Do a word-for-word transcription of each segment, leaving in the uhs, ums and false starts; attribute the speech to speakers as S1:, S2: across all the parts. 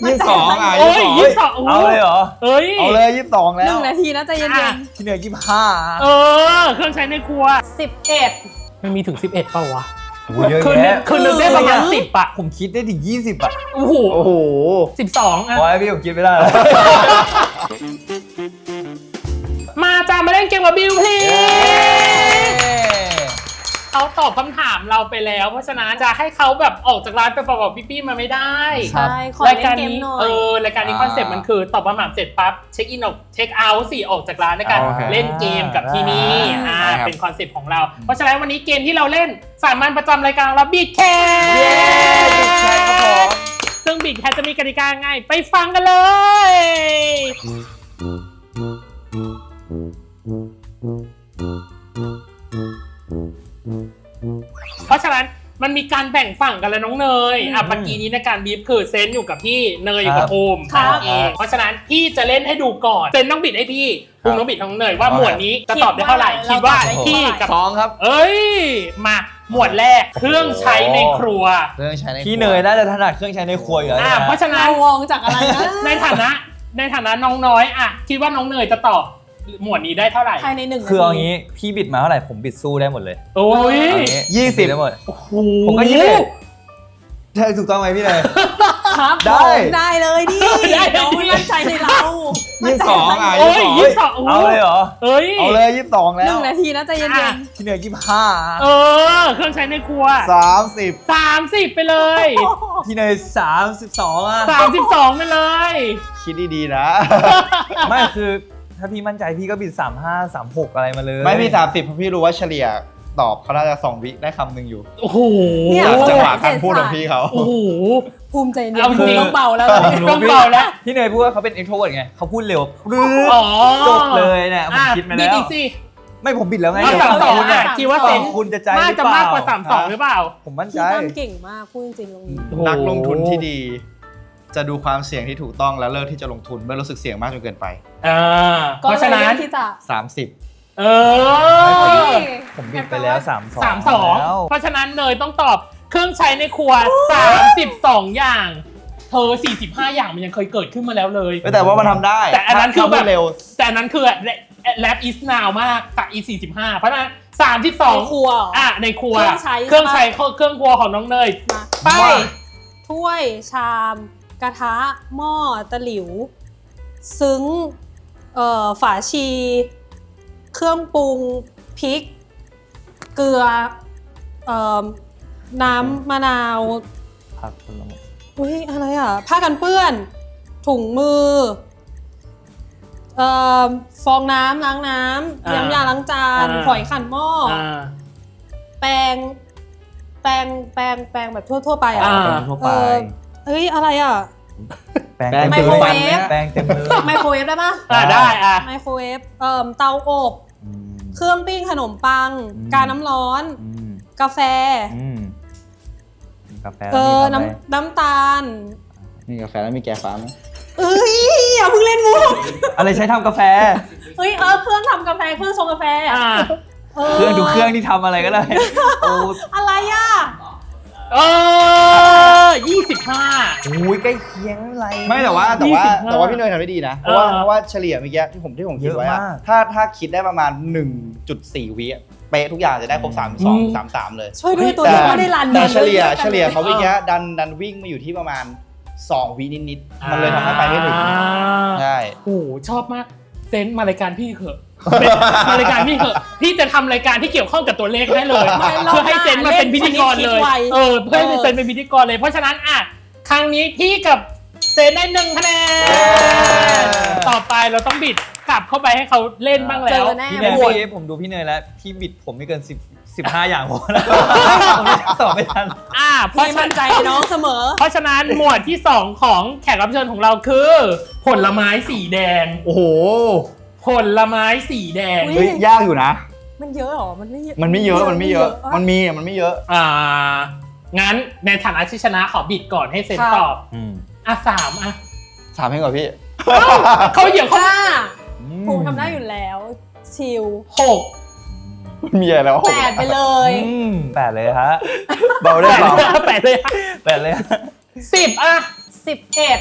S1: ยี่สิบสองอ่ะ
S2: โอ้ยยี่สิบสอง
S3: เอาเลยเหรอ
S2: เอ้ย
S1: เอาเลยยี่สิบสองแล้ว
S4: หนึ่งนาทีนะใจเย็น
S1: ที่เหนือยี่สิบห้า
S2: เออเครื่องใช้ในครัว
S4: ๆสิบเอ็ด
S2: มันมีถึงสิบเอ็ดเปล่าวะ
S3: เยอะ
S2: คือ
S3: แยะ
S2: คือนึกได้ประมาณสิบอะ
S3: ผมคิดได้ถึงยี่สิบอ่ะ
S2: โอ้โห
S1: โอ้โห
S2: สิบสองอะ
S3: พอแล้วพี่ผมคิดไม่ได้แล้ว
S2: มาจ้ามาเล่นเกมกับบิวพลีเขาตอบคำถามเราไปแล้ว เพราะฉะนั้นจะให้เขาแบบออกจากร้านไปเปล่าๆพี่ๆมาไม่ได้
S4: ใช่ขอ
S2: ราย
S4: เล่น
S2: การ
S4: เกม
S2: นี้
S4: หน่อย
S2: เออรายการนี้คอนเซ็ปต์มันคือตอบคำถามเสร็จปั๊บเช็คอินออกเช็คเอาท์สี่ออกจากร้านในการ
S1: โอเค
S2: เล่นเกมกับที่นี่อ่า
S1: ได้ครับ
S2: เป็นคอนเซ็ปต์ของเรา เพราะฉะนั้นวันนี้เกมที่เราเล่นสามัญประจำรายการเราบีทแคส
S1: เย้ใช่ครับผม
S2: ซึ่งบีทแคสจะมีกติกาไงไปฟังกันเลย เพราะฉะนั้นมันมีการแบ่งฝั่งกันแล้วน้องเนยอ่ะเมื่อกี้นี้ในการบีฟคือเซนอยู่กับพี่เนยอยู่กับภูมิ
S4: ครับ
S2: นั่นเองเพราะฉะนั้นพี่จะเล่นให้ดูก่อนเซนต้องบิดให้พี่ภูมิต้องบิดของเนยว่าหมวดนี้จะตอบได้เท่าไหร่คิดว่าพี่กับ
S1: สองครับ
S2: เอ้ยมาหมวดแรกเครื่องใช้ในครัว
S1: เครื่องใช้ใน
S3: พี่เนยน่าจะถนัดเครื่องใช้ในครัวอยู่แล้ว
S2: อ่ะ
S3: นะ
S2: เพราะฉะนั้
S4: เรา
S2: น
S4: วองจากอะไรนะ
S2: ในฐานะในฐานะน้องน้อยอ่ะคิดว่าน้องเนยจะตอบหมวดนี้ได้เท่าไหร่
S4: ภายในหนึ่งนาที
S3: คือเอางี้พี่บิดมาเท่าไหร่ผมบิดสู้ได้หมดเลย
S2: โอ้ย
S3: เอางี้
S1: ยี่สิบ
S3: ผมดได้หมด
S2: โอ้โห
S3: ผมก็ยี่สิบ ใช่ถูกต้องไหมพี่เนย
S4: ครับ
S3: ได้
S4: ผมได้เลยดิ
S2: ได้
S4: น้องมั่นใจในเรา
S1: ยี่สิบสองอ่ะ
S2: โอ้ยยี่สิบสอง
S3: เอาเลยเหรอ
S2: เอ้ย
S1: เอาเลยยี่สิบสอง
S4: ห
S1: แล้
S4: นึ่
S1: ว
S4: งนาทีนะใจเย็น
S2: อ่ะ
S1: ที่เหนือยี่สิบห้า
S2: เออเครื่องใช้ในครัว
S1: สามสิบ
S2: สามสิบไปเลย
S3: พี่เนยสามสิบสองอ่ะ
S2: สามสิบสองไปเลย
S1: คิดดีๆนะ
S3: ไม่คือถ้าพี่มั่นใจพี่ก็บิดสามห้าสามหกอะไรมาเลย
S1: ไม่พี่สามสิบเพราะพี่รู้ว่าเฉลี่ยตอบเขาน่าจะสองวิได้คำหนึ่งอยู่
S2: โอ้โห
S4: เนี่ย
S1: จังหวะการพูดของพี่เขา
S2: โอ้โห
S4: ภูมิใจเย็น
S2: เอาจริง
S4: ต้องเบาแล้ว
S3: ผมรู้
S2: ต้องเบาแล้ว
S3: พี่เนยพูดว่าเขาเป็น extrovert ไงเขาพูดเร็วปรื๊ด
S2: อ๋อ
S3: จบเลยเนี่ยผม
S2: อ่ะ
S3: คิดมา
S2: บิ
S3: แล้
S2: ด
S3: ว
S2: อีกสิ
S3: ไม่ผมบิดแล้วไง
S2: เอาสามสอง
S3: คุณ
S2: อ่ะ
S3: เนี่ย
S2: คิดว่าเซน
S3: คุณจะใจห
S2: น่า
S3: รือ
S2: จะ
S3: เปล่าม
S2: ากกว่าสามสองหรือเปล่า
S3: ผมมั่น
S4: พี่
S3: ใจ
S4: ตั้มเก่งมากพูดจริงๆตรงนี้
S2: โอ้โห
S1: นักลงทุนที่ดี จะดูความเสี่ยงที่ถูกต้องแล้วเลิกที่จะลงทุนเมื่อรู้สึกเสี่ยงมากจนเกินไป
S2: อ่า
S4: ก็
S2: เพราะฉะนั้น
S4: ลยลือกที่จะ
S1: สามสิบ
S2: เอ
S4: เฮ้
S2: อ
S4: ย
S3: ผมบิดไปแล้วสามสอง
S2: สามสอง
S3: แล้ว
S2: เพราะฉะนั้นเนยต้องตอบเครื่องใช้ในครัวสามสิบสองอย่างเธอสี่สิบห้าอย่างมันยังเคยเกิดขึ้นมาแล้วเลย
S1: แต่ว่ามันทำได้
S2: แต่อันนั้นคือแบบ
S1: ถ้าพูดเร็ว
S2: แต่อันนั้นคือแรปอีสนาวมากกับอีสี่สิบห้าเพราะฉะนั้นสามสิบสอง
S4: ในครัวเหรออ่
S2: อ่ะในครัว
S4: เครื่องใช้
S2: เครื่องใช้เครื่องครัวของน้องเนย
S4: มา
S2: ไป
S4: ถ้วยชาม กระทะ หม้อตะหลิว ซึ้งเอ่อฝาชี เครื่องปรุงพริก เกลือเอ่อน้ำมะนาว
S3: ผักผลไม้
S4: อุ้ยอะไรอ่ะ ผ้ากันเปื้อน ถุงมือเอ่อฟองน้ำล้างน้ำ
S2: อ่า
S4: น้ำยาล้างจาน
S2: อ่า
S4: ฝอยขัดหม้ออ
S2: อ่า
S4: แปรงแปรงแปรงแปรงแบบทั่ว ๆ ไปอ่ะ
S2: อ่า
S3: เป็นทั่วไป
S4: เออ เฮ้ย อะไรอ่ะ
S3: แป้ง
S1: แป้ง
S3: เต็ม
S4: ไมโคร
S3: เล
S4: เวย ฟ
S3: แป้งเต็มเลย
S4: ไมโครเวฟได้ปะ
S2: อ่าได้อ่ะ
S4: ไมโครเวฟเอ่อเตาอบ
S3: อืม
S4: เครื่องปิ้งขนมปัง
S3: อืม
S4: กาน้ำร้อน
S3: อืม
S4: กาแฟ
S3: อืมกาแฟ
S4: เออ
S3: แล้วมี
S4: น้ำน้ำตาล
S1: มีกาแฟแล้วมีแกฟ้าไหม
S4: เอ้ยอย่าเพิ่งเล่นมุก
S3: อะไรใช้ทำกาแฟ
S4: เฮ้ยเออเครื่องทำกาแฟเครื่องชงกาแฟ
S2: อ่า
S3: เครื่องดูเครื่องที่ทำอะไรก็ได้โอ้
S4: อะไรอ่ะ
S2: เออยี่สิบห้า
S3: โหใกล้เคียงอะไร
S1: ไม่แต่ว่าแต่ว่า
S2: ยี่สิบห้า
S1: แต่ว่าพี่เนยทำได้ดีนะ เพราะว่า
S2: เออ
S1: เพราะว่าเฉลี่ยเมื่อกี้ที่ผมที่ผมคิดไว้อะ
S3: เยอะมาก
S1: ถ้าถ้าคิดได้ประมาณ หนึ่งจุดสี่ วิอะเป๊ะทุกอย่างจะได้ครบสามสองสามสามเลย
S4: ช่วยด้วยตัว
S1: แต่
S4: นี้ไม่ได้รัน
S1: แต่เฉลี่ย
S4: ด้วยกัน
S1: เฉลี่ยเขาเมื่อกี้ดันดันวิ่งมาอยู่ที่ประมาณสองวินิดๆมันเลยทำให้ไปไม่ถึง
S2: อ่า
S1: ใช่
S2: โอ้โหชอบมากเซนต์มารายการพี่เถอะเซนต์มารายการพี่เถอะพี่จะทำรายการที่เกี่ยวข้องกับตัวเลขให้เลย
S4: ไม่รอบ
S2: เพื่อให้เซนต์มาเป็นพิธีกรเลย
S4: เล่นชนิดคิดไว
S2: เออเพื่อให้เซนต์เป็นพิธีกรเลยเพราะฉะนั้นอ่ะครั้งนี้พี่กับเซนต์ได้หนึ่งคะแนนต่อไปเราต้องบิดกลับเข้าไปให้เขาเล่นบ้าง
S4: เจ
S2: แล้ว
S4: อแน่
S3: พี่เนย
S4: โหวต
S3: พี่ผมดูพี่เนยแล้วพี่บิดผมไม่เกินสิบสิบห้าอย่างพอแล้วผมไม่ตอบไม่ทัน
S2: อ่ะเพราะ
S4: พี่
S2: ฉะ
S4: มั่
S2: นั้น น
S4: ใจน้องเสมอ
S2: เพราะฉะนั้นหมวดที่สองของแขกรับเชิญของเราคือ ผลไม้สีแดง
S1: โอ้โห
S2: ผลไม้สีแดง
S4: อุ๊
S1: เฮ้ยยากอยู่นะ
S4: มันเยอะเหรอ มันไม่เยอะ
S1: มันไม่เยอะมันไม่เยอะ มันมีอะมันไม่เยอะ
S2: อ่า งั้นในฐานะที่ชนะขอบิดก่อนให้เซนตอบ
S3: อืม
S2: อ่ะสามอ่ะ
S1: สามให้ก่อนพี่
S2: เขาเหยียบเขา
S4: ห้าภูมิทำได้อยู่แล้ว ชิล
S2: หก
S1: มีอะไรแล้ว
S4: แปดไปเลย
S3: อืมแปดเลยฮะ
S1: เบาได้
S2: แปด
S1: เบา
S2: แปดเลย
S3: แปดเลยฮะ
S2: สิบอ่ะ
S4: สิบเอ็ด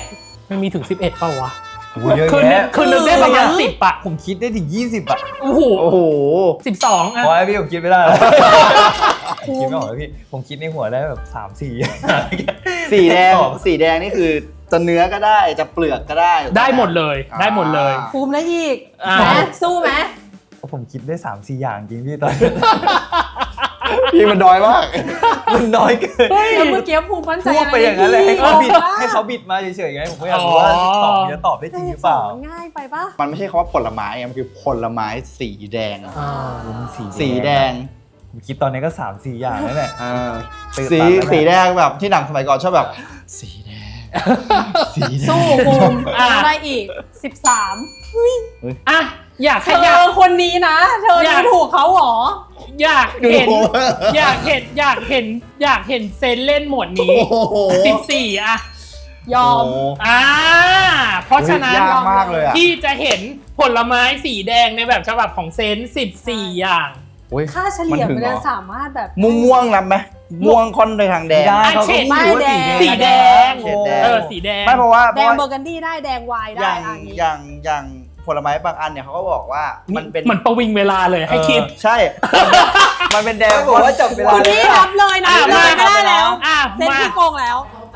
S2: มันมีถึงสิบเอ็ดเปล่าวะ
S3: โอ้โหเยอะ
S2: คือนึก
S3: แยะ
S2: คือนึกได้ประมาณสิบอะ
S3: ผมคิดได้ถึงยี่สิบอ่ะ
S2: โอ้โห
S1: โอ้โห
S2: สิบสองอะ
S3: พอแล้วพี่ผมคิดไม่ได้แล้วผมคิดไม่ออกแล้วพี่ผมคิดในหัวได้แบบสามสี่
S1: สีแดงสีแดงนี่คือจะเนื้อก็ได้จะเปลือกก็ได้
S2: ได้หมดเลยได้หมดเลย
S4: ภูมิได้อีก
S2: อ่า
S4: แหมสู้ไหม
S3: ผมคิดได้สามสี่อย่างจริงพี่ตอนนี้
S1: พี่มันน้อยมาก
S3: มันน้อยเกิน
S4: แล้วเมื่อกี้ภูมิมั่นใจ
S3: พูด
S4: อะไร
S3: ไปอย่างนั้นเลยให้เขาบิด
S4: บ้
S3: ให้เขาบิดมาเฉยๆไงผมก็อยากรู้ว่าตอบจะตอบได้จริงหรือเปล่า
S4: มันง่ายไปปะ
S1: มันไม่ใช่คำว่าผลไม้ไงมันคือผลไม้สีแดง
S2: อ่า
S1: สีแดง
S3: ผมคิดตอนนี้ก็สามสี่อย่างแล้วแหละ
S1: อ่า
S3: ตื่น
S1: สี
S3: ตันแล้วนะ
S1: สีแดงแบบที่หนังสมัยก่อนชอบแบบ สีแดง สีแดง
S4: สู้ภูมิ
S2: อ่ะ
S4: ได้อีกสิบสาม
S2: อ่ะอยาก
S4: เธ
S2: ให้อยาก
S4: อคนนี้นะ เธอ
S2: อยาก
S4: ดูถูกเขาเหรอ
S2: อยากเห็นอยากเห็นอยากเห็นอยากเห็นเซนเล่นหมวดนี้
S1: โอ้โห
S2: สิบสี่อะ
S4: ยอม
S1: โโห
S2: อ่าเพราะฉะนั้น
S1: ยากมากเลยอ่ะ
S2: ที่จะเห็นผลไม้สีแดงในแบบฉบับของเซนสิบสี่อย่าง
S1: โอ้ย
S4: ค่าเฉลี่ย
S1: มันถึง
S4: มัน
S1: เหรอ
S4: จะสามารถแบบ
S1: ม่วงม่วงๆนำไหมม่วงค่อนไปทางแดง
S3: ไม่ได้
S2: อ่ะ
S3: เขา
S2: เฉ
S3: ก็
S2: ด
S3: ไม่รู้ว่า
S2: สีแดง
S1: เฉดแดง
S2: เออสีแดง
S1: ไม่เพราะว่าเพ
S4: แด
S1: ราะ
S4: ง
S1: ว่า
S4: เบอร์กันดี้ได้แดงไวน์
S1: อ
S4: ได้
S1: ย่าง
S4: อันนี้
S1: อย่างอย่างผลไม้บางอันเนี่ยเขาก็บอกว่ามันเป็น
S2: เหมือนประวิงเวลาเลยให้คิด
S1: เออใช่ มันเป็นแดง
S3: บอกว่าจับเวลา
S4: คุณพี่รับเลยนะ
S2: อ่ะ
S4: เลย
S2: มา
S4: ไม่ได้แล้ว
S2: อ่ะ
S4: เซน
S2: มา
S4: พี่โกงแล้ว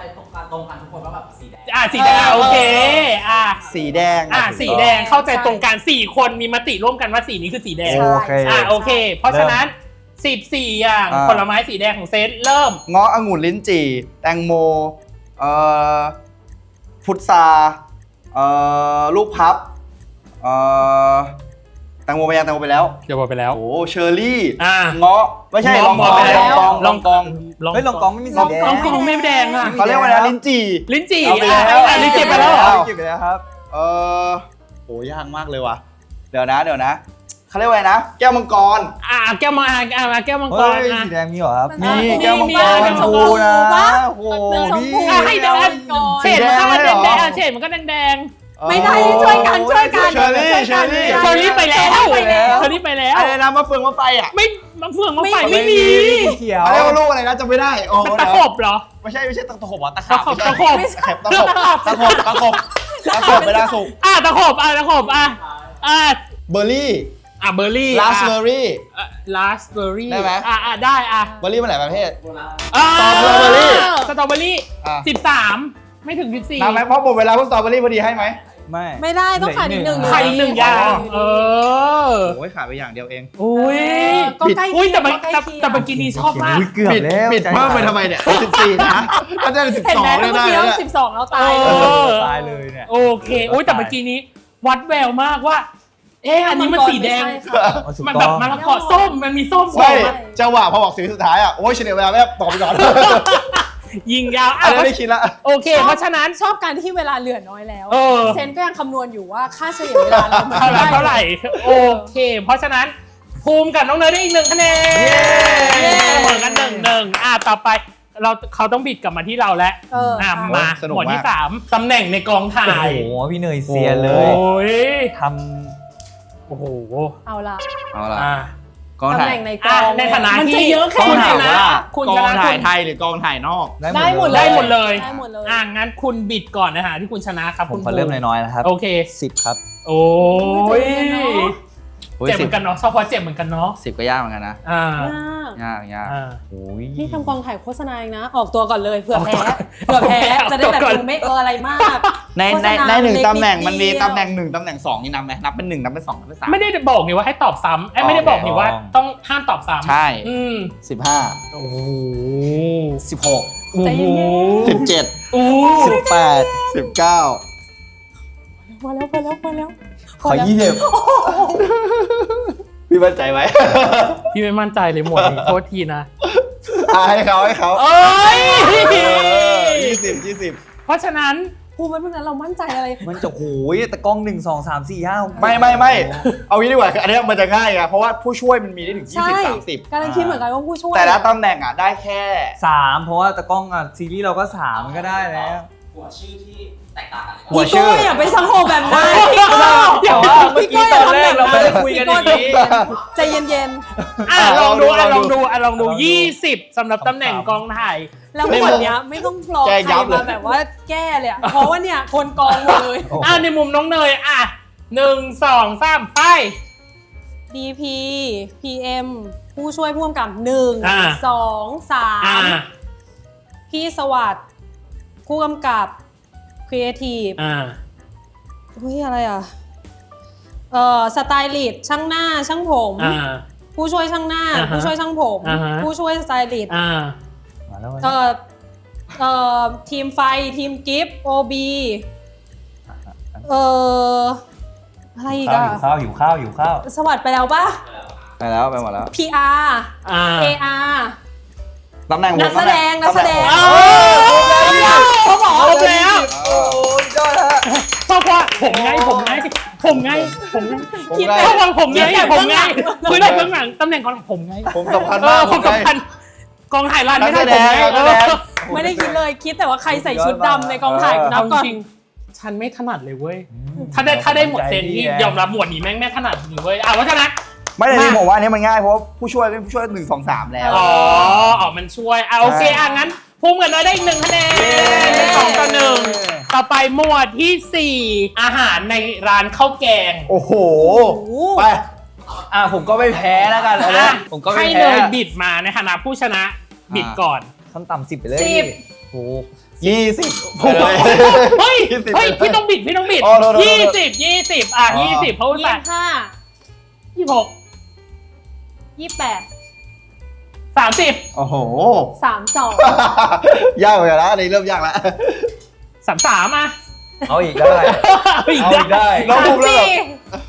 S2: อ่ะสีแดงโอเคอ่ะ
S1: สีแดง
S2: อ่ะสีแดงเข้าใจตรงกันสี่คนมีมติร่วมกันว่าสีนี้คือสีแดง
S4: ใช่
S3: โอเค
S2: อ่ะโอเค เพราะฉะนั้นสิบสี่อย่างผลไม้สีแดงของเซนเริ่ม
S1: เงาะองุ่นลิ้นจี่แตงโมเอ่อพุทราเอ่อลูกพับเอ่อแตงโมไปยังแตงโมไปแล้ว
S2: เดี๋ยวบอกไปแล้ว
S1: โอ้เชอร์รี่
S2: อ่ะ
S1: เงาะไม่ใช่ลองกอง
S2: ไปแล้
S1: ลอง
S2: ว
S1: กองลองกอง
S3: เฮ้ยลองกองไม่มี
S2: ล
S3: สี
S2: อง
S3: แด
S2: ลอง งกองไม่แดงอ่ะ
S1: เขาเรียกว่าอะไรนะลิ้นจี่
S2: ลิ้นจี่
S1: เอาไป
S2: อ่ะ
S1: แล้ว
S2: อ่ะลิ้นจี่ไปแล้วเหรอ
S3: เก็บไปแล้วครับ
S1: เออโหยากมากเลยว่ะเดี๋ยวนะเดี๋ยวนะเขาเรียกว่าอะไรนะ แก้วมังกร
S2: อ่ะแก้วมังอ่ะอ่ะแก้วมังก
S3: เฮ้
S2: ร
S3: ย
S2: อ่ะ
S3: สีแดงมีเหรอครับ
S1: มี
S2: มี
S1: แก้วมัง
S2: มี
S1: กร
S2: แก้วมังกร
S1: ชมพูนะโอ้โห
S4: ชมพู
S1: พี่
S2: อ่ะให้แดง
S4: ก่อน
S2: เฉดมันก็
S1: สี
S2: แด
S1: แดง
S2: ง
S1: เลยเหรอ
S2: แดงเฉดมันก็แดงแดง
S4: ไม่ได้ช่วยกันช่วยกัน
S1: เชอร์รี่เชอร์รี่
S2: เชอรี่ไปแล้ว
S4: ไปแล้ว
S2: เชอรี่ไปแล้ว
S1: อะไรนะมะเฟืองมะไฟอ่ะ
S2: ไม่มะเฟืองมะไฟ
S4: ไม่
S2: ไม่มี
S3: เขียว
S1: เขาเรียกว่าลูกอะไรนะจำไม่ได้โอ้
S2: มัน
S1: เดี๋
S2: ตะ
S1: ยว
S2: ขบเหรอ
S1: ไม่ใช่ไม่ใช่ตะขบอ่ะตะ
S2: ตะ
S1: ขาบ
S2: ขบตะขบ
S1: ไม่ใช่ตะขบตะขบตะขบตะขบเวลาสุก
S2: อ่ะตะขบอ่ะตะขบอ่ะอ่ะ
S1: เบอร์รี่
S2: อ่ะเบอร์รี่
S1: ราสเบอร์รี่
S2: ลาสเบอร์รี่
S1: ได้ไหม
S2: อ่ะอ่ะได้อ่ะ
S1: เบอร์รี่มันหลายประเภท
S2: อ่ะ
S1: สตรอเบอร์รี่
S2: สตรอเบอร์รี่
S1: อ่ะ
S2: สิบสามไม่ถึงสิบสี่
S1: นับไหมเพราะหมดเวลาพวกสตรอเบอร์รี่พอดีให้ไหม
S3: ไม่
S4: ไม่ได้ต้องขาดอีกหนึ่ง
S2: ใครอีกหนึ่งอย่าง เออ
S1: โอ้ยขาดไปอย่างเดียวเอง
S2: อุ้ย
S4: ก็ใกล้
S2: อุ้ย
S4: เคี
S2: แต่
S4: ยง
S2: มัน
S4: ก็ใกล้
S2: แต่
S4: เคียง
S2: แต่เมื่อกี้นี้ชอบมาก
S3: อุ๊ยเกือบแล้ว
S1: ปิดเพิ่มไปทำไมเนี่ยสิบสี่นะก็จะสิบ
S4: เห็น
S1: สอ
S4: ไหม
S1: ง
S4: เมื่
S1: ได้
S4: อ
S1: ได้
S4: กี้
S1: แล้ว
S4: เราสิบสองเราตาย
S2: เอ
S4: เลย
S2: อ
S3: ตายเลยเนี่ย
S2: โอเคอุ้ยแต่เมื่อกี้นี้ วัดแววมากว่า เอ๊ะอันนี้มันสีแดง
S4: ไม่ใช่ค่ะ
S2: มันแบบมะละกอส้มมันมีส้ม
S1: ไม่
S2: ส้ม
S1: จังหวะพอบอกสีสุดท้ายอ่ะโอ้ยเฉลี่ยเวลาแล้วตอบไปก่อน
S2: ยิงยาว
S1: อั
S2: อ่ะ
S1: นนี้ไม่ได้คิดละ
S2: โอเค เพราะฉะนั้น
S4: ชอบการที่เวลาเหลือน้อยแล้ว
S2: เออ
S4: เซนก็ยังคำนวณอยู่ว่าค่าเฉลี่ยเวลาเรามัน
S2: เท่าไหร่
S4: ได้
S2: เท่าไหร่โอเค เพราะฉะนั้นภูมิกับน้องเนยได้อีกหนึ่งคะแนน
S1: เย้
S2: เสมอกันหนึ่งหนึ่งอ่ะต่อไปเราเขาต้องบิดกลับมาที่เราแล้ว
S4: เออ
S2: อ่ะ
S4: ค่ะ
S2: มา
S1: สนุก
S2: หมวดที่
S1: มาก
S2: สามตำแหน่งในกองถ่า
S3: โอ้
S2: ย
S3: โหพี่เนยเซียนเลย
S2: โอ้ย
S3: ท
S2: โอ้โห
S4: เอาละ
S1: เอาล่ะ
S2: อ่ะ
S1: กอง
S4: ตำ
S1: ถ่า
S4: แห
S1: ย
S4: น่งในก
S2: อ่ะ
S4: อง
S2: ในฐานะ
S4: มันจะ
S2: ที่
S4: เยอะแค่
S1: กอง
S4: ไหน
S1: ถ่าย
S2: นะ
S1: ว่า
S2: คุณ
S1: กอง
S2: ชนะ
S1: ถ่าย
S2: คุณ
S1: ไทยหรือกองถ่ายนอก
S3: ำ
S4: ได้หมดเลย
S2: ได้หมดเลย
S4: ได้หมดเลย
S2: อ่ะงั้นคุณบิดก่อนนะฮะที่คุณชนะครับ
S3: ผม
S2: คุณ
S3: ขอเริ่มน้อยๆนะครับ
S2: โอเค
S3: สิบครับ
S2: โอ้ย
S1: โอ้ย
S2: เจ็บเห
S1: สิ
S2: มื
S1: บ
S2: อนกันเนาะชอบเพราะเจ็บเหมือนกันเนาะ
S1: สิบก็ยากเหมือนกันนะ
S2: อ่า
S4: ยาก
S1: ยากยาก
S2: อ่า
S3: โอ้ย
S4: นี่ทำกองถ่ายโฆษณาเองนะ ออกตัวก่อนเลยเผื่อแพ้
S2: ออกตัว
S4: เผื่อแพ้
S2: ออกตัว
S4: จะได้แบบ
S2: ก่อน
S4: ดูไม่เอออะไรมาก
S1: ในใน
S4: โฆษณา
S1: ในหนึ่ง
S4: เล็ก
S1: ตำแหน่ง
S4: นิด
S1: มันมี
S4: เดียว
S1: ตำแหน่งหนึ่งตำแหน่งสองนี่นับไหมนับเป็นหนึ่งนับเป็นสองนับเป็นสาม
S2: ไม่ได้บอกนี่ว่าให้ตอบซ้ำไอ้ยไม่ได้บอกนี่ว่าต้องห้ามตอบซ้ำ
S1: ใช่
S2: อืม
S1: สิบห้า
S2: โอ้โห
S1: สิบหก
S2: โอ้
S4: ใจ
S2: โห
S4: เย็น
S1: สิบเจ็ด
S2: โอ้
S1: สิบแปดสิบเก้า
S4: มาแล้วมาแล้วมาแล้ว
S3: ขอยี่สิบ
S1: พี่มั่นใจไหม
S2: พี่ไม่มั่นใจเลยหมวดนี้โทษทีนะ
S1: อ่ะให้เขาให้เขา
S2: เอ้ย
S1: ยี่สิบยี่สิบ
S2: เพราะฉะนั้น
S4: ภูมิมันนั้นเรามั่นใจอะไร
S3: มันจะโหยแต่กล้องหนึ่งสองสามสี่ห้า
S1: ไม่ไม่ไม่เอางี้ดีกว่าคืออันเนี้ยมันจะง่ายไงเพราะว่าผู้ช่วยมันมีได้ถึงยี่
S4: ใช่
S1: สิบสามสิบ
S4: กำลังคิดเหมือนกันว่าผู้ช่วย
S1: แต่ละตำแหน่งอ่ะได้แค่
S3: สามเพราะว่าแต่กล้องอ่ะซีรีส์เราก็สามมันก็ได้แล้ว
S5: หัวชื่อที่แตกต่างกันเลย
S3: หัว
S4: พี่
S3: ชื่
S4: โก้
S3: อ
S4: อย่าไปสังโหแบบนั้นพี่โก้
S3: แต่ว่าเมื่อกี้ตอนแรกเราไม่ได้คุยกันอย่างนี้
S4: ใจเย็น
S2: อ่ะลองดูอ่ะลองดูอ่ะลองดูยี่สิบสำหรับตำแหน่งกองถ่าย
S4: ๆแล้วหมดเนี้ยไม่ต้องรอใครมาแบบว่าแก้เลยอะเพราะว่าเนี่ยคนกองหมดเลย
S2: อ่ะในมุมน้องเนยอ่ะหนึ่งสองสามไป
S4: ดี พี พี เอ็ม ผู้ช่วยผู้กำกับหนึ่ง
S2: อ่า
S4: สองสา
S2: อ่ะ
S4: มพี่สวัสดิ์ผู้กำกับครีเอทีฟ
S2: อ่ะ
S4: อุ้ยอะไรอ่ะเอ่อสไตลิสต์ช่างหน้าช่างผม
S2: อ่ะ
S4: ผู้ช่วยช่างหน้า
S2: อ่าฮะ
S4: ผู้ช่วยช่างผม
S2: อ่าฮะ
S4: ผู้ช่วยสไตลิสต์
S2: อ่ะ
S3: มาแล้ว
S4: เอ่อเอ่อทีมไฟทีมกิฟต์โอบีเอ่ออะไรอีก
S3: ข้าว
S4: อ่ะ
S3: หิวข้าวหิวข้าวหิวข้าว
S4: สวัสดิ์ไปแล้วปะ
S1: ไปแล้วไปหมดแล้ว
S4: พี อาร์
S2: อ่ะ
S4: เอ อาร์
S1: ตำแหน่งผม
S4: นักแสดง
S1: ตำห
S4: นักแสดง
S2: เออเขาบอกครบแล้ว
S1: โอ้ยยอดฮะ
S2: เพราะว่าผมไงผมไงผมไงผมไง
S1: ผม
S4: คิด
S1: ไง
S4: แต่
S2: เพราะว่าผมไง
S4: คิดแต่
S2: ผมไง
S4: เบื้องหลัง
S2: คือได้เบื้องหลังตำแหน่งกองผมไง
S1: ผมสำคัญ
S2: เอ
S1: มา
S2: อก ผม
S1: ไง
S2: สำคัญกองถ่ายรันไม่ได้
S1: นักแส
S2: ผม
S1: ดง
S2: ไง
S1: นัก
S2: เอ
S1: แสดง
S2: อ
S4: ไม่ได้คิดเลยคิดแต่ว่าใครใส่ชุดดำในกองถ่ายนั
S2: เอา
S4: บก่อน
S2: จริงๆฉันไม่ถนัดเลยเว้ยถ้าได้ถ้าได้หมวดเซนนี่ยอมรับหมวดนี้แม่งไม่ถนัดจริงเว้ยอ่ะเพราะฉะนั้น
S1: ไม่ได้
S2: มา
S1: ผมว่าอันนี้มันง่ายเพราะว่าผู้ช่วยเป็นผู้ช่วยหนึ่งสองสามแล้ว
S2: อ๋ออ๋อมันช่วยอ่ะโอเคอ่ะงั้นพุ่มกันน้อยได้อีกหนึ่งคะแนนเป็นสองต่อหนึ่งต่อไปหมวดที่สี่อาหารในร้านข้าวแกง
S1: โอ้โห
S4: โอ้โห
S1: ไป
S3: อ่ะผมก็ไม่แพ้แล้วกันเอาละ
S2: อ่ะ
S3: ผมก็ไม่
S2: ให้
S3: แพ้
S2: เลยบิดมาในฐานะผู้ชนะบิดก่อน
S3: ขั้นต่ำสิบไปเลย
S4: สิบ
S3: โอ้โห
S1: ยี่สิบ
S2: เฮ้ย
S1: ยี่สิบ
S2: เฮ้ย พี่ต้องบิด พี่ต้องบิด
S1: อ๋อโทษโทษโทษ
S2: ยี่สิบ ยี่สิบ อ่ะ
S1: อ๋อ
S2: ยี่สิบเพราะว่า
S4: ยี่สิบห้า
S2: ยี่สิบหก
S4: ยี่สิบแปด
S2: สามสิบ
S1: โอ้โห
S4: สามสอง
S1: ยากเหมือนกันนะอันนี้เริ่มยากแล้ว
S2: สามสามอ่ะ
S3: เอาอีกได้
S2: เอาอีก
S3: เอาอีก
S2: ได้
S3: ได้
S1: น้อง
S4: สา
S1: ภู
S4: ม
S1: มิแล้ว
S4: สี่
S1: แบบ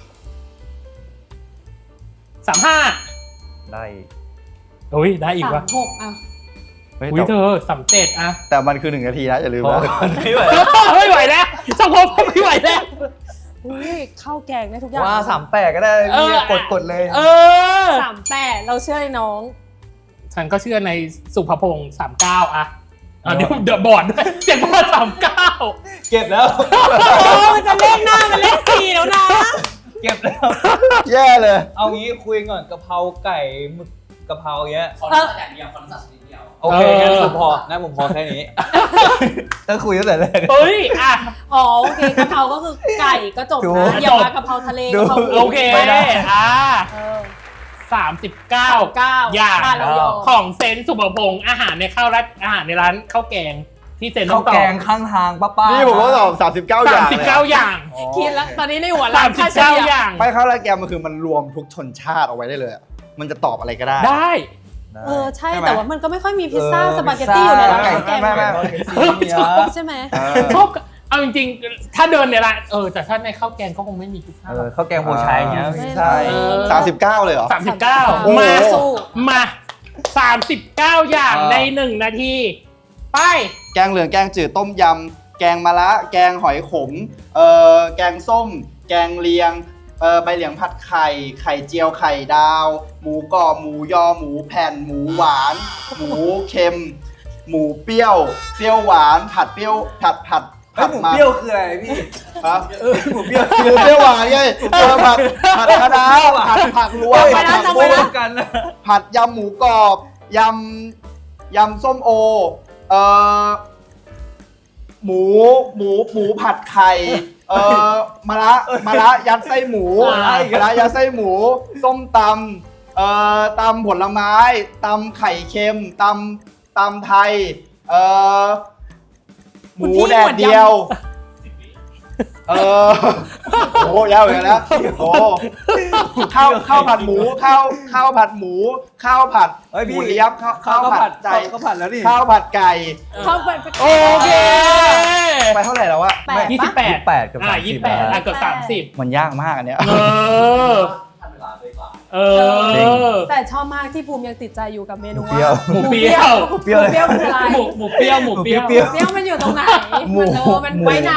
S2: สามห้า
S3: ได้
S2: โอ้ย ได้อีก
S4: สาม
S2: ว่ะ
S4: หกอ่ะ
S1: เฮ้ย
S2: อุ้ย
S1: แต่
S2: เธอสามเจ็ดอ่ะ
S1: แต่มันคือหนึ่งนาทีนะอย่าลืม
S3: พอ
S1: นะ
S3: ไม่ไหว
S2: ไม่ไหวแล้วสังคมไม่ไหวแล้ว
S4: อุ้ยข้าวแกงได้ทุกอย่าง
S3: ว่าสามแปดก็ได้
S2: เออ
S3: เนี่ยกดกดเลย
S2: เออ
S4: สามแปดเราเชื่อในน้อง
S2: ฉันก็เชื่อในสุภพงศ์สามเก้าอ่ะอ่ะเดี๋ยวเดี๋ยวบอร์ดด้วยเสียงบอร์ดสามเก้า
S3: เก็บแล้ว
S4: โอ้มันจะเลขหน้ามันเลขสี่แล้วนะ
S3: เก็บแล้ว
S1: แย่เลย
S3: เอางี้คุยก่อนกะเพราไก่หมึกกะเพราเงี้ย
S5: ขอรู้จักอย่างเดียวขอรู้จักชนิดเดียว
S3: โอเคงั้นผมพองั้นผมพอแค่นี้ต้องคุยตั้งแต่แรก
S2: เฮ้ย อ่ะ
S4: อ๋อโอเคกะเพราก็คือไก่ก็จบ
S3: ถูก
S4: นะอย่ามากะเพราทะเลกะเพรา
S2: โอเค
S3: ไม่ได้
S2: อ่ะ
S4: เออ
S2: สามสิบเก้า
S4: เก้า
S2: อย่าง
S4: บ้านเรายอม
S2: ของเซนสุภพงศ์อาหารในข้าวรัดอาหารในร้านข้าวแกงที่เซนต้
S3: ข้า
S2: อ
S3: ว
S2: งตอ
S3: แก
S2: บ
S3: งข้างทางป้าป้า
S1: นี่ผมก็ตอบสามสิบเก้าอ
S2: สา
S1: ย่าม ง
S2: สิบ
S1: เลย
S2: เก้าอย่าง
S4: คิดแล้วตอนนี้ในหัว
S2: สามสิบ
S4: ค่
S2: เก้า
S4: ฉลี่
S2: อย่าง
S1: ไม่เข้าแล้วแกมันคือมันรวมทุกชนชาติเอาไว้ได้เลยอะมันจะตอบอะไรก็ได้
S2: ได้
S4: เออใช่
S1: ใช่ไหม
S4: แต่ว่ามันก็ไม่ค่อยมีพิซซ่าสปาเกตตี้อยู่ในร้านข้าวแกง
S1: ไม่ไม่
S4: ใช่ไหม
S1: เออ
S2: ชอบเอาจริงๆ ถ้าเดินในร้านเออแต่ถ้าในข้าวแกงก็คงไม่มีพิซซ่า
S3: เออข้าวแกงโบชัยอย่างเงี้ย
S1: ใช่
S2: เออ
S1: สามสิบเก้าเลยเหรอ
S2: สามสิบเก้า
S1: โอ้โห
S2: มา
S4: สู้
S2: มาสามสิบเก้าอย่าง
S3: อ่า
S2: ในหนึ่งนาที ไป
S1: แกงเหลืองแกงจืดต้มยำแกงมะระแกงหอยขมเอ่อแกงส้ม แกงเลียงเอ่อใบเหลียงผัดไข่ไข่เจียวไข่ดาว หมูกรอบหมูยอหมูแผ่นหมูหวาน หมูเค็ม หมูเปรี้ยวเปรี้ยวหวานผัดเปรี้ยวผัดผัด
S3: เฮ้ยหมูเปรี้ยวคืออะไรพี่
S1: ฮะ
S3: หมูเปรี้ยว
S1: หมูเปรี้ยวหวานไงเออผัดผัดคะน้าผัดผักรวม
S4: ไป
S1: ผัด
S4: นะ
S1: ผัก
S4: จำ
S1: บุ้
S4: ไว้
S1: ง
S4: นะ
S3: กันนะ
S1: ผัดยำหมูกรอบยำยำส้มโอเอ่อหมูหมูหมูผัดไข่เอ่อมะระมะระยัดไส้หมู
S2: อ่า
S1: มะระยัดไส้หมู ส้มตำเอ่อตำผลไม้ตำไข่เค็มตำตำไทยเอ่อห
S4: คุณ
S1: มู
S4: พี่
S1: แดดเดียว เออโอ้โหยาวเหมือนกันนะโอ้ข้าวข้าวผัดหมูข้าวข้าวผัดหมู ข้าวผัด
S3: เฮ้ย
S1: ห
S3: พี่
S1: มูเลี้ยบข้าวข้าวผัดใจ
S3: ข้าวผัดแล้วนี่
S1: ข้าวผัดไก่
S4: เข้าไป
S2: โอเค
S1: ไปเท่าไหร่แล้ววะ
S4: แปด
S2: ยี่สิบ
S4: ปะ
S2: แปด
S3: แปดกับ
S2: อ่า
S3: สาม
S2: ยี่
S3: สิ
S2: สิ
S3: บบ
S2: แปด
S3: นะ
S2: อ่ะเกือบสามสิบ
S1: มันยากมากอันเนี้ย
S2: เออ
S5: ทันเวลาด้วยกว่า
S2: เอ
S3: จริง
S2: อ
S4: แต่ชอบมากที่ภูมิยังติดใจอยู่กับเมนู
S3: หมูเปรี้ยว
S2: หมูเปรี้ยว
S3: เปรี้ยว
S4: หมูเปรี้ยวคืออะไร
S2: หมูหมูเปรี้ยวหมูเปรี้ยว
S3: หมูเปรี้ยว
S4: เปรี้ยวมันอยู่ตรงไหน
S3: หมู
S4: มันเออมัน
S3: หมู
S4: ไว้นานหรือไง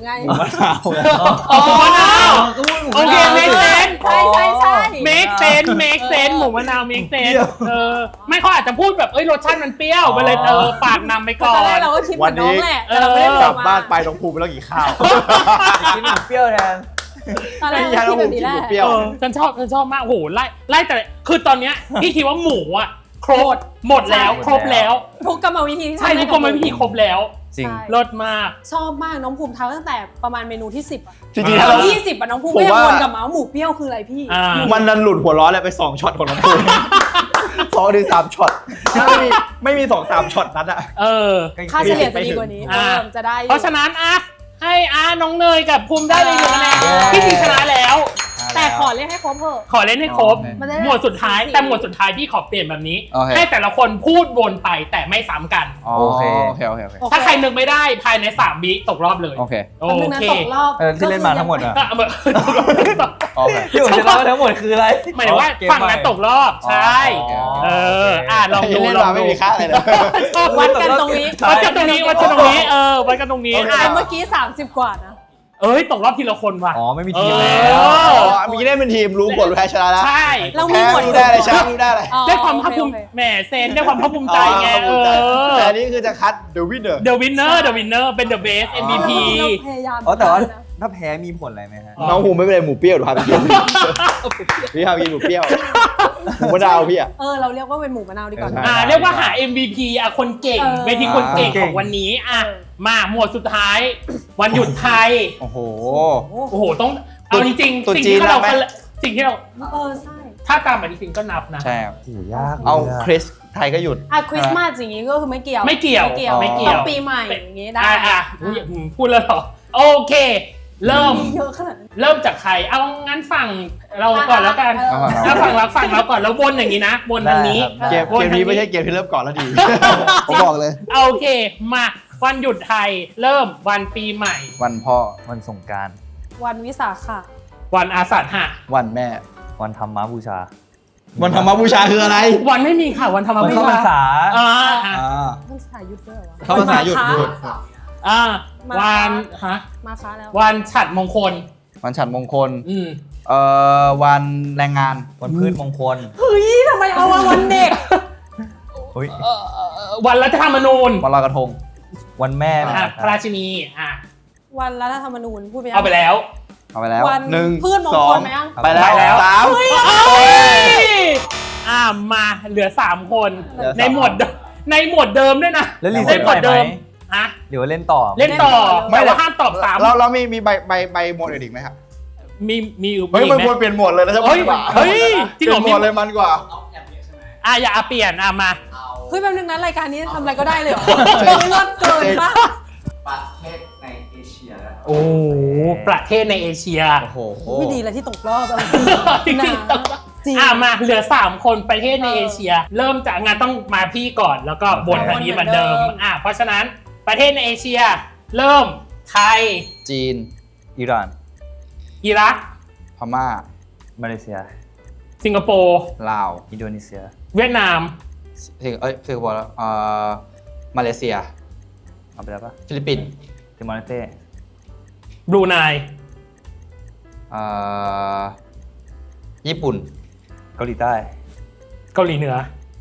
S4: ไง
S3: หมูมะนาว
S2: อ๋อหมูมะนาว
S3: ก็พูดหมู
S2: โอเค make sense
S4: ใช่ใช่ใช่
S2: make sense make sense หมูมะนาว make sense เออไม่เขาอาจจะพูดแบบเอ้ยรสชาติมันเปรี้ยวไปเลยเออปากนำไปก่อ
S4: ตอนแรก
S2: น
S4: เราก็คิดเหมือนน้องแหละแต่เราไม่ได้
S1: ก
S4: บ
S1: ลั
S4: อบ ก
S1: บ้า
S4: มา
S1: นไปน้องภูมิไปแล้วกี่ข้าว
S3: กินหมูเปรี้ยวแทน
S4: ตอนแรก
S1: ไม่ใช่
S4: เรา
S1: น้อง
S4: คิด
S1: ภู
S4: แบบ
S1: มิ
S4: นี้
S1: กิน
S4: แห
S1: หมู
S4: ละ
S1: เปรี้ยว
S2: เออฉันชอบฉันชอบมากโอ้โหไล่ไล่แต่คือตอนเนี้ยพี่คิดว่าหมูอ่ะครบหมดแล้ว
S3: ใช่
S2: ครบแล้ว
S4: ทุกกรรมวิธีที่
S2: ใช่
S4: ทำ
S2: ทุกคนมันวิธีครบแล้ว
S3: จริง
S4: ใช่
S2: เลิศมาก
S4: ชอบมากน้องภูมิทำตั้งแต่ประมาณเมนูที่สิบอะ
S1: จริงๆถ้า
S4: ตอ
S1: เรา
S4: นยี่สิบอะน้องภูมิ
S1: ผม
S4: ก็ยัง
S1: ว่า
S4: วนกลับมาว่าหมูเปรี้ยวคืออะไรพี่
S2: อ่า
S1: มันนั้นหลุดหัวร้อนเลยไปสองช็อตของน้องภูมิสองถึงสามช็อตถ้าไม่มีไม่มีสองสามช็อตนั้นอะ
S2: เออ
S4: ค่าเฉลี่ยจะดีกว่านี้
S2: อ่า
S4: เออจะได้อยู่
S2: เพราะฉะนั้นอ่ะให้อาน้องเนยกับภูมิได้เลยหนึ่งคะแนน
S3: เย้
S2: พี่ทีชนะแล้ว
S4: แต่ขอเรียกให้ครบเถอะ
S2: ขอเล่นให้ครบ
S3: โอเค
S4: มันจะได้
S2: หมวดสุดท้าย
S4: สี
S2: แต่หมวดสุดท้ายพี่ขอเปลี่ยนแบบนี้
S1: โอเค
S2: ให้แต่ละคนพูดวนไปแต่ไม่ซ้ำกัน
S1: โอเคโอเคโอเคโอเค
S4: โอเค
S2: ถ้าใครนึกไม่ได้ภายในสามวิตกรอบเลย
S1: โอเค
S2: โอ
S4: แป๊บนึงนะ
S2: เค
S4: ตกรอบ
S3: เออที่เล่นมาทั้งหมดอะ
S2: ก็เอาแบบ
S1: โอเค
S3: ที่ผมจะเล่าทั้งหมดคืออะไร
S2: หมายถึงว่า
S3: เกม
S2: ฝั่งนั้นตกรอบใช่
S3: อ๋อ
S2: เอออ่ะลองดู
S1: เล่น
S2: ลอง
S1: มา
S2: ดู
S1: ไม่มีค่าอะไรเลย
S4: วัดกันตรงนี้
S2: วัดกันตรงนี้วัดกันตรงนี้เออวัดกันตรงนี้
S1: โอเค
S2: อ่ะ
S4: อ่ะเมื่อกี้สามสิบกว่านะ
S2: เอ้ยตกรอบทีละคนว่ะ
S3: อ๋อไม่มีทีม
S2: เอ
S3: แล้
S2: อ
S3: ว
S1: อ๋อมีเล่นเป็นทีมรู้ผลรู้แพ้ชนะแล้ว
S2: ใช่
S4: เรามี
S1: แพ้
S4: หมวด
S1: รู้ได้เลยชนะรู้ได้เลย
S4: อ๋อ
S2: ได้ความภาคภูมิ
S4: โอเคโอเค
S2: แหมเซนได้ความภาคภูมิใจไง
S1: อ๋อ
S2: เอ
S1: ภูมิใจ
S2: อ
S1: แต่อันนี้คือจะคัด the winner
S2: The winner The winner เป็น the best เอ็ม วี พี
S4: เราพยายาม
S3: อ๋อแต่ว่า
S4: นะ
S3: ถ้าแพ้มีผลอะไรไหมฮะ
S2: อ๋อ
S1: น้องภูมิไม่เป็นไรหมูเปรี้ยวหรือพาไปกินพี่พาไปกินหมูเปรี้ยวหมูมะนาวพี่อะ
S4: เออเราเรียกว่าเป็นหมูมะนาวดีกว่า
S1: ใช่
S2: อ่าเรียกว่าหา เอ็ม วี พี อ่ะคนเก่ง
S4: เออ
S2: เวทีคนเก่ง
S3: เก่
S2: ของ งวันนี้อ่ะมาหมวดสุดท้าย วันหยุดไทย
S1: โอ้โห
S4: โอ้
S2: โอ้โหต้องเอาจริง
S1: ตุ๊
S2: ๆ
S1: ด
S2: สิ่ง
S1: จีน
S2: ที่เรา
S1: นับไหม
S2: สิ่งที่เรา
S4: เออใช่
S2: ถ้าตามปฏิทินก็นับนะ
S1: ใช่ครับ
S3: โอ้โหยาก
S1: เอาคริสไทยก็หยุด
S4: อ่ะคริสต์มาสอย่างงี้ก็คือไม่เกี่ยว
S2: ไม่เกี่ยว
S4: ไม่เกี่ยว
S2: ไม่เกี่ยว
S4: ต้องปีใหม่อย่างงี้ได้
S2: อ่ะอ่ะอุ๊ยอืมพูดแล้วเหรอโอเค เริ่ม
S4: มีเยอะขนาดนั้น
S2: เริ่มจากใครเอางั้นฝั่งเราก่อนแล้วกัน
S4: เออ
S2: ถ้าฝั่งเราฝั่งเราก่อนแล้ววนอย่างนี้นะวนทางนี้
S1: เกม
S2: วน
S1: เกม
S2: ทาง
S1: นี้
S2: นี้
S1: ไม่ใช่เกมที่เริ่มก่อนแล้วดี ผมบอกเลย
S2: โอเคมาวันหยุดไทยเริ่มวันปีใหม่
S1: วันพ่อ
S3: วันสงกราร
S4: วันวิสาขะ
S2: วันอาสาฬหะ
S1: วันแม่
S3: วันธรรมบูชา
S1: วันธรรมบูชาคืออะไร
S2: วันไม่มีค่ะวันธรรม
S3: วัน
S2: บู
S3: เข้าพรร
S2: ชา
S3: ษา
S2: อ่าอ่า
S1: อ่า
S4: มันสายหยุดด้วยเหรอวะ
S1: เข้าพรรษาหยุด
S4: ม
S1: หยุด
S4: คะ
S2: อ่า
S4: มา
S2: วันฮะ
S4: มาค้าแล้ว
S2: วันฉัตรมงคล
S1: วันฉัตรมงคล
S2: อืม
S1: เอ่อ วันแรงงาน
S3: วันพืชมงคล
S4: เฮ้ยทำไมเอามาวันเด็ก
S3: เฮ้ย
S2: เอ่อเอ่อเอ่อวันรัฐธรรมนูญ
S1: วันลอยกระทง
S3: วันแม่
S2: อ่ะพระราชินีอ่ะ
S4: วันรัฐธรรมนูญพูดไปยัง
S2: เอาไปแล้ว
S1: เอาไปแล้ว
S4: วัน
S1: หนึ่ง
S4: พืชมง
S1: สอ
S4: คล
S1: ง
S4: ไหมยัง
S1: ไปแล้ว
S2: ไปแล้ว
S1: สาม
S2: เอ้ยอ่ามาเหลือสามคน
S1: เหลือสาม
S2: ในหมวดเดิมในหมวดเดิมด้วยนะ
S3: แล้วรี
S2: ใน
S3: เซ็ต
S2: หม
S3: ให
S2: ว
S3: ม่
S2: ด
S3: ไหม
S2: เดิมฮะ
S3: เดี๋ยวเล่นต่อ
S2: เล่นต่อ
S1: ไม่
S2: แต่
S1: หรอ
S2: ว่าห้ามตอบซ้ำ
S1: เราเรามีมีใบใบใบหมวดอื่นอีกไหมครับ
S2: มีมีอยู่
S1: เฮ้ย
S2: มี
S1: มัน
S2: ไหม
S1: ควรเปลี่ยนหมวดเลยนะใช่ไหม
S2: เฮ้ยเฮ้ยจริงเหรอ
S1: เปลี่ยนหมวดเลยมันกว่า
S5: เอาแอปเดียวใช่ไหม
S2: อ่ะอย่าเอาเปลี่ยนอ่ะมา
S5: เอา
S4: เฮ้ยแป๊บนึงนะรายการนี้ทำอะไรก็ได้เลยเหรอเลิศเกินป่ะ
S5: ประเทศในเอเชียแล้ว
S2: โอ้ประเทศในเอเชีย
S1: โอ้โห
S4: ไม่ดีเลยที่ตกรอบเอา
S2: จริง
S4: จริง
S2: ๆ
S4: นะจริง
S2: อ่ะมาเหลือสามคนประเทศในเอเชีย เริ่มจากงานต้องมาพี่ก่อนแล้วก็บนทางนี้เหมือนเดิมอ่ะเพราะฉะนั้นประเทศในเอเชีย เริ่มไทย
S1: จีน
S3: อิหร่าน
S2: อิรัก
S1: พม่า
S3: มาเลเซีย
S2: สิงคโปร์
S1: ลาว
S3: อินโดนีเซีย
S2: เวียดนาม
S1: สิงเอ้ยสิงคโปร์แล้วเอ่อมาเลเซีย
S3: เอาไปแล้วปะ
S1: ฟิลิปปินส์
S3: ติมอร์เลสเต้
S2: บรูไน
S1: เอ่อญี่ปุ่น
S3: เกาหลีใต้
S2: เกาหลีเหนือ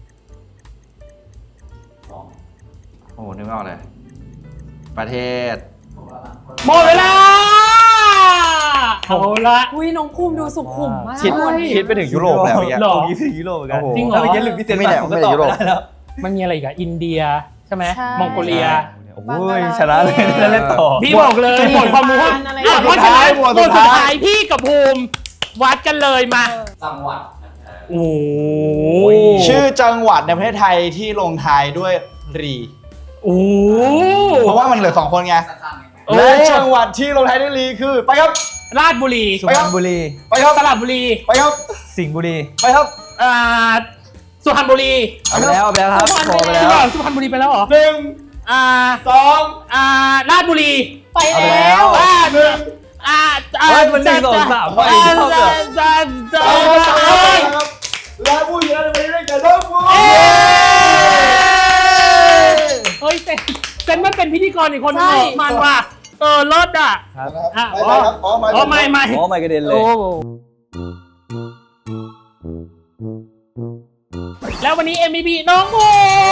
S5: สอง
S1: โอ้โหนึกไม่ออกเลย ประเทศ
S5: ผมว่า
S2: หมดเวลาเอาละ
S4: อุ้ยน้องภูมิดูสุขุมมาก
S1: คิด
S4: วันนี้
S1: คิดไปถึงยุโรปแล้วเมื่อกี้
S2: หรอ
S3: เมื่อกี้ถึงยุโรปเหมือนกัน
S1: โอ้โห
S2: จริงเหรอ
S3: ถ้าเมื่อกี้หลุดพิเศษ
S1: ไม่ได้
S3: ผมก็
S1: ไม่ได้
S3: ตอบ
S1: ยุโรป
S3: ไม่ได้แล้ว
S2: มันมีอะไรอีกอะอินเดียใช่ไหม
S4: ใช่
S2: มองโกเลีย
S3: โอ้ยชนะเลยแล้วเล่นต่อ
S2: พี่บอกเลยหมดความรู้
S4: อะไร
S2: อ่ะเพราะฉะนั้น
S1: ห
S2: ห
S1: ม
S2: ม
S1: ว
S2: ด
S1: ดสุ
S2: สุ
S1: ด
S2: ด
S1: ท้าย
S2: ท้ายพี่กับภูมิวัดกันเลยมา
S4: เออ
S5: จังหวัด
S2: โอ้โห
S1: ชื่อจังหวัดในประเทศไทยที่ลงท้ายด้วยรี
S2: โอ้โห
S1: เพราะว่ามันเหลือสองคนไง
S5: สั้นๆไง
S2: โอ้
S1: และจังหวัดที่ลงท้ายด้วยรีคือ ไปครับ
S2: ราชบุรี
S3: สุพรรณบุรี
S1: ไปครับ
S2: สระบุรี
S1: ไปครับ
S3: สิงห์บุรี
S1: ไปครับ
S2: อ่าสุพรรณบุรี
S3: เอาไปแล้วเอาไปแล้วครับ
S4: สุพรรณ
S3: โทรไป
S4: บุรี
S2: จริง
S3: แล้ว
S2: เหรอสุพรรณบุรีไปแล้วเหรอ
S1: หนึ่ง
S2: อ่า
S1: สอง
S2: อ่าราชบุรี
S4: ไป
S3: เอาไป
S4: แล้
S3: แล้ว ว
S2: อ่า
S1: หนึ่ง
S2: อ่าอ่า
S3: เฮ้ยมันหนึ่งสองสามไป
S2: อ่า
S3: เท่ากับ
S2: อ่าอ่า
S1: ไป
S2: อ่า
S1: ครับ และผู้ชนะในวันนี้ได้แก่น้องฟู
S2: เอ้ยเฮ้ยเซนเซนมันเป็นพิธีกรอีกคนหนึงเหรอมันว่ะเออเลิศอ่ะ
S3: ครับ
S2: อ่ะ
S1: ไม่ไม่ครับอ๋อไม่
S2: อ๋อไม่ไม่
S3: โอ้ไม่กระเด็นเลย
S2: โอ้แล้ววันนี้ เอ็ม วี พี น้องโม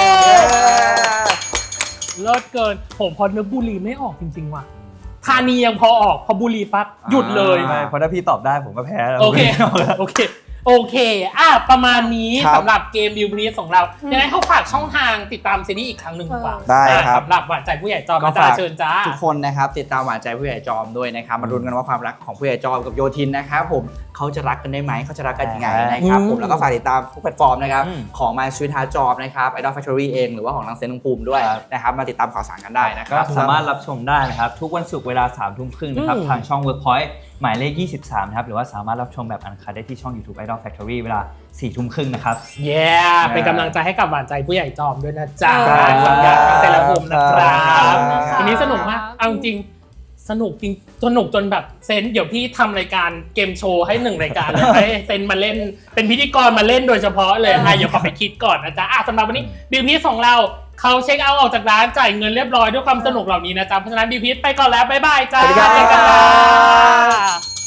S2: เลิศเกินผมพอนึกบุรีไม่ออกจริงๆว่ะธานียังพอออกพอบุรีปั๊บหยุดเลย
S3: ไม่เพราะถ้าพี่ตอบได้ผมก็แพ้แล้ว
S2: โอเค โอเค โอเค อ่ะ ประมาณนี้
S1: ครับ
S2: สำหรับเกมบิวนี้ของเรายังไงเขาฝากช่องทางติดตามซีรีส์อีกครั้งหนึ่งดีกว่า
S1: ได้ครับ
S2: สำหรับหวานใจผู้ใหญ่จอม
S6: ก็
S2: อาจา
S6: ฝาร ก
S2: ย์เชิญจ้า
S6: ทุกคนนะครับติดตามหวานใจผู้ใหญ่จอมด้วยนะครับมาลุ้นกันว่าความรักของผู้ใหญ่จอมกับโยทินนะครับผมเขาจะรักกันได้ไหมเขาจะรักกันยังไงนะครับ
S2: อืม
S6: ผมแล้วก็ฝากติดตามทุกแพลตฟอร์มนะครับ
S3: อืม
S6: ของ My Sweet Heart Job นะครับ Idol Factory เองหรือว่าของทางเซนต์ภูมิด้วย
S3: ครับ
S6: นะครับมาติดตามข่าวสารกันได้นะค
S3: ก็
S6: รับ
S3: สามารถรับชมได้นะครับ ทุกวันศุกร์เวลาสามทุ่มครึ่งนะครับ
S2: อืม
S3: ทางช่อง Workpoint หมายเลขยี่สิบสามนะครับหรือว่าสามารถรับชมแบบอันคัดได้ที่ช่อง YouTube Idol Factory เวลาสี่ทุ่มครึ่งนะครับ
S2: เย้เป็นกำลังใจให้กับหวานใจผู้ใหญ่จอมด้วยนะจ๊ะ
S4: ครับ
S2: สัญญาเซราภูมินะครับ
S1: ครับ
S2: วันนี้สนุกมาก เอาจริงๆสนุกจริงสนุกจนแบบเซนเดี๋ยวพี่ทำรายการเกมโชว์ให้หนึ่งรายการเลยให้เซนมาเล่นเป็นพิธีกรมาเล่นโดยเฉพาะเลยอ่ะเดี๋ยวขอไปคิดก่อนนะจ๊ะอ่ะสำหรับวันนี้บิวพีของเราเขาเช็คเอาท์ออกจากร้านจ่ายเงินเรียบร้อยด้วยความสนุกเหล่านี้นะจ๊ะเพราะฉะนั้นบิวพีไปก่อนแล้วบ๊ายบายจ้า
S1: สวัสดีครับ
S2: เจอกันค่ะ